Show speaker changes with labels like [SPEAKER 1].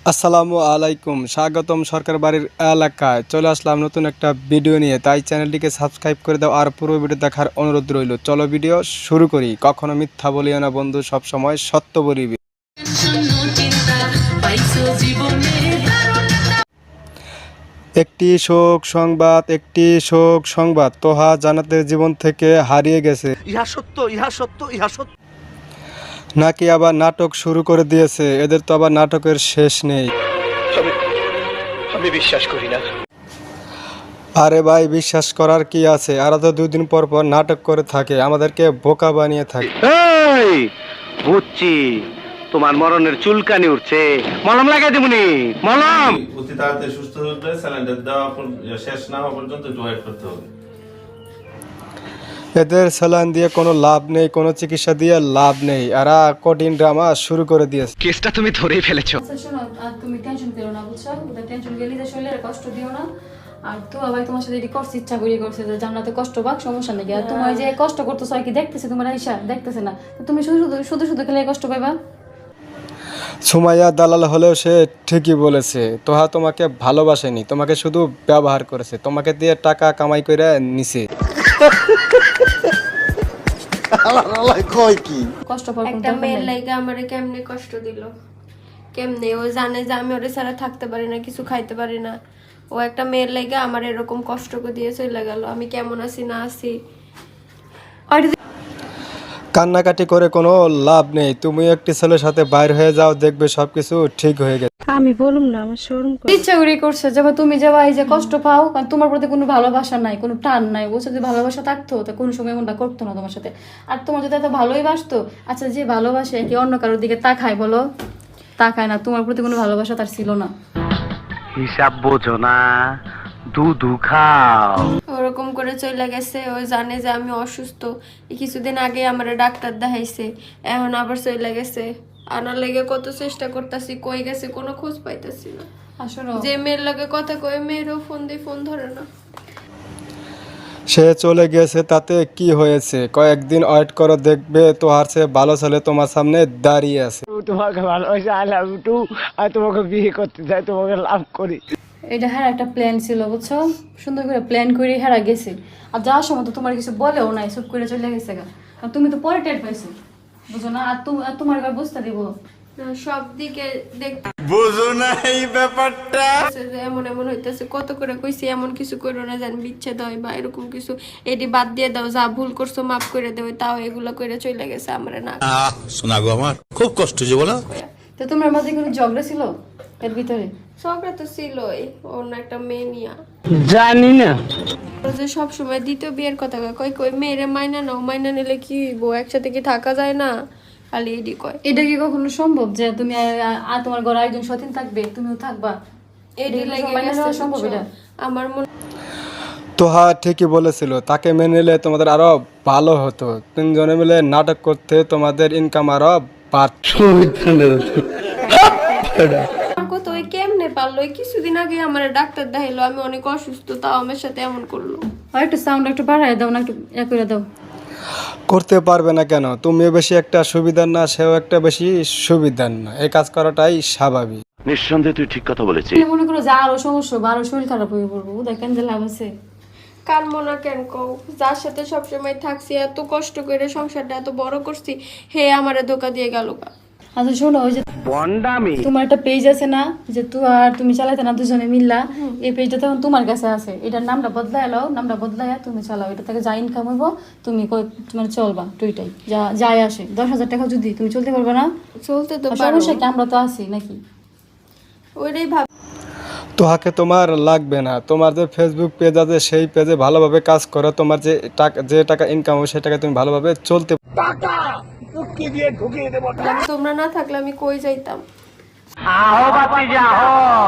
[SPEAKER 1] আসসালামু আলাইকুম, স্বাগতম সরকার বাড়ির এলাকায়। চলে আসলাম নতুন একটা ভিডিও নিয়ে, তাই চ্যানেলটিকে সাবস্ক্রাইব করে দাও আর পুরো ভিডিও দেখার অনুরোধ রইল। চলো ভিডিও শুরু করি। কখনো মিথ্যা বলিও না বন্ধু, সব সময় সত্য বলিবি। একটি শোক সংবাদ তোহা জান্নাতের জীবন থেকে হারিয়ে গেছে।
[SPEAKER 2] ইহা সত্য, ইহা সত্য, ইহা সত্য।
[SPEAKER 1] নাকি আবার নাটক শুরু করে দিয়েছে। এদের তো আবার নাটকের শেষ নেই।
[SPEAKER 2] আমি বিশ্বাস করি না।
[SPEAKER 1] আরে ভাই, বিশ্বাস করার কি আছে? এরা তো 2 দিন পর পর নাটক করে থাকে, আমাদেরকে বোকা বানিয়ে থাকে।
[SPEAKER 2] এই বুঝছি, তোমার মরণের চুলকানি উঠছে, মলম লাগাই দেবনি। মলম
[SPEAKER 3] অতি তাড়াতাড়ি সুস্থ হতে স্যালাইনটা দেওয়া শেষ না হওয়া পর্যন্ত একটু ওয়েট করতে হবে।
[SPEAKER 1] এদের স্যালাইন দিয়ে কোনো লাভ নেই, কোনো চিকিৎসা দিয়ে লাভ নেই। এরা কঠিন ড্রামা শুরু করে দিয়েছে।
[SPEAKER 2] কেসটা তুমি ধরেই ফেলেছো।
[SPEAKER 4] আচ্ছা শোনো, আর তুমি টেনশন করো না, বুঝছো? ওদের টেনশন গেলে যে শরীরে কষ্ট দিও না। আর তো ভাই তোমার সাথে এটি করছে, ইচ্ছা করিয়ে করছে যে জান্নাতে কষ্ট পাক, সমস্যা নেই। আর তোমার যে কষ্ট করতেছো আর কি দেখতেছে, তোমার আইসা দেখতেছে না, তুমি শুধু খেলে কষ্ট পাইবা।
[SPEAKER 1] সুমাইয়া দালাল হলেও সে ঠিকই বলেছে। তোহা তোমাকে ভালোবাসেনি, তোমাকে শুধু ব্যবহার করেছে, তোমাকে দিয়ে টাকা কামাই করে নিছে।
[SPEAKER 4] কষ্ট পাওয়ার কোনো
[SPEAKER 5] একটা
[SPEAKER 4] দরকার
[SPEAKER 5] মেয়ের
[SPEAKER 4] নেই।
[SPEAKER 5] লাইগা আমারে কেমনে কষ্ট দিল, কেমনে ও জানে যে আমি ওরে ছাড়া থাকতে পারি না, কিছু খাইতে পারি না। ও একটা মেয়ের লাইগা আমার এরকম কষ্ট করে দিয়ে চলে গেল। আমি কেমন আছি না আছি,
[SPEAKER 1] কান্নাকাটি করে কোনো লাভ নেই। তুমি একটি ছেলের সাথে বাইর হয়ে যাও, দেখবে সবকিছু ঠিক হয়ে গেছে।
[SPEAKER 4] ইচ্ছা করে করছে। যখন তুমি যাবা এই যে কষ্ট পাও, কারণ তোমার প্রতি কোনো ভালোবাসা নাই, কোনো টান নাই। বলছো যদি ভালোবাসা থাকতো তা কোনো সময় এমনটা করতো না তোমার সাথে। আর তোমার যদি এত ভালোই বাসতো, আচ্ছা যে ভালোবাসে কি অন্য কারোর দিকে তাকায় বলো? তাকায় না। তোমার প্রতি কোনো ভালোবাসা তার ছিল না।
[SPEAKER 2] হিসাব বোঝো না, দুধু খাও।
[SPEAKER 5] ওরকম করে চলে গেছে। ও জানে যে আমি অসুস্থ। এই কিছুদিন আগে আমার ডাক্তার দেখাইছে, এখন আবার চলে গেছে। আনার লেগে কত চেষ্টা করতেছি, কই গেছে কোনো খোঁজ পাইতেছি না।
[SPEAKER 4] আর শোনো,
[SPEAKER 5] যে মেয়ের লাগে কথা কয়ে মেয়েরও ফোন দিয়ে ফোন ধরে না।
[SPEAKER 1] সে চলে গেছে, তাতে কি হয়েছে? কয়েকদিন ওয়েট করো, দেখবে তোহার চেয়ে ভালো ছেলে তোমার সামনে দাঁড়িয়ে আছে।
[SPEAKER 2] তোমাকে ভালোবাসি, আই লাভ ইউ টু। আর তোমাকে বিয়ে করতে চাই, তোমাকে লাভ করি।
[SPEAKER 4] এটা হ্যাঁ একটা প্ল্যান ছিল, বুঝছো? সুন্দর করে প্ল্যান করে হেরা গেছে। আর যাওয়ার সময় তো তোমার কিছু বলেও নাই, চুপ করে চলে গেছে গা। আর তুমি তো পরে টের পাইছো, বুঝো না? আর তোমার এবার বুঝতে দিব।
[SPEAKER 5] না, সব দিকে দেখতে
[SPEAKER 3] বুঝো না এই ব্যাপারটা।
[SPEAKER 5] যে এমন এমন হইতেছে, কত করে কইছি এমন কিছু করো না, জান বিচ্ছেদ হয় বা এরকম কিছু, এটি বাদ দিয়ে দাও, যা ভুল করছো মাফ করে দেবে, তাও এগুলো করে চলে গেছে আমরা না।
[SPEAKER 6] শোনা গো, আমার খুব কষ্ট যে বলো।
[SPEAKER 4] তো তোমার মধ্যে কোনো ঝগড়া ছিল এর ভিতরে?
[SPEAKER 5] ঝগড়া তো ছিলই, অন্য একটা মেয়ে নিয়া।
[SPEAKER 2] জানি না।
[SPEAKER 5] ও যে সবসময় দ্বিতীয় বিয়ের কথা কয়, কই কই মেয়েরে মাইনা নাও, মাইনা নিলে কি হইব, একসাথে কি থাকা যায় না, খালি এডি কয়।
[SPEAKER 4] এটা কি কখনো সম্ভব যে তুমি আর তোমার ঘরে একজন সতীন থাকবে, তুমিও থাকবা?
[SPEAKER 5] এডি লাগে
[SPEAKER 4] মাইনা নেওয়া সম্ভব এটা?
[SPEAKER 5] আমার মনে
[SPEAKER 1] তোহা ঠিকই বলেছিল, তাকে মেনে নিলে তোমাদের আরো ভালো হতো। 3 জনে মিলে নাটক করতে তোমাদের ইনকাম আরো বাড়ত।
[SPEAKER 5] আমার কত ওই কেমনে পারলো, ওই কিছুদিন আগে আমার ডাক্তার দেখাইলো আমি অনেক অসুস্থ, তাও আমার সাথে এমন করলো।
[SPEAKER 4] আর একটু সাউন্ড একটু বাড়ায় দাও না, একটু করে দাও।
[SPEAKER 1] করতে পারবে না কেন? তুমিও বেশি একটা সুবিধার না, সেও একটা বেশি সুবিধার না। এই কাজ করাটাই স্বাভাবিক।
[SPEAKER 7] নিঃসন্দেহে তুই ঠিক কথা বলেছিস।
[SPEAKER 4] মনে করো যে আরো সমস্যা বা আরো শরীর খারাপ হয়ে পড়বো, দেখেন যে লাভ আছে?
[SPEAKER 5] কার মনে কেন কও, যার সাথে সবসময় থাকছি, এত কষ্ট করে সংসারটা এত বড় করছি, হে আমারে ধোকা দিয়ে গেল।
[SPEAKER 4] আচ্ছা শোনো, ওই যে
[SPEAKER 2] বন্ডামি।
[SPEAKER 4] তোমার একটা পেজ আছে না, যে তুমি চালাইতে না দুজনে মিল্লা, এই পেজটা তখন তোমার কাছে আছে। এটার নামটা বদলায় নাও, নামটা বদলায় তুমি চালাও। এটা থেকে যা ইনকাম হইব তুমি তোমার চলবা টুইটাই, যা যাই আসে। 10,000 টাকা যদি তুমি চলতে পারবে না,
[SPEAKER 5] চলতে তো
[SPEAKER 4] আর
[SPEAKER 5] পারো,
[SPEAKER 4] সমস্যা কি? আমরা তো আছি নাকি?
[SPEAKER 5] ওইটাই ভাব।
[SPEAKER 1] তোহাকে তোমার লাগবে না। তোমার যে ফেসবুক পেজ আছে, সেই পেজে ভালোভাবে কাজ করো। তোমার যে টাকা ইনকাম হবে, সেই টাকা তুমি ভালোভাবে চলতে।
[SPEAKER 5] তোমরা না থাকলে আমি কই যাইতাম?
[SPEAKER 2] আহো বাতি যাও।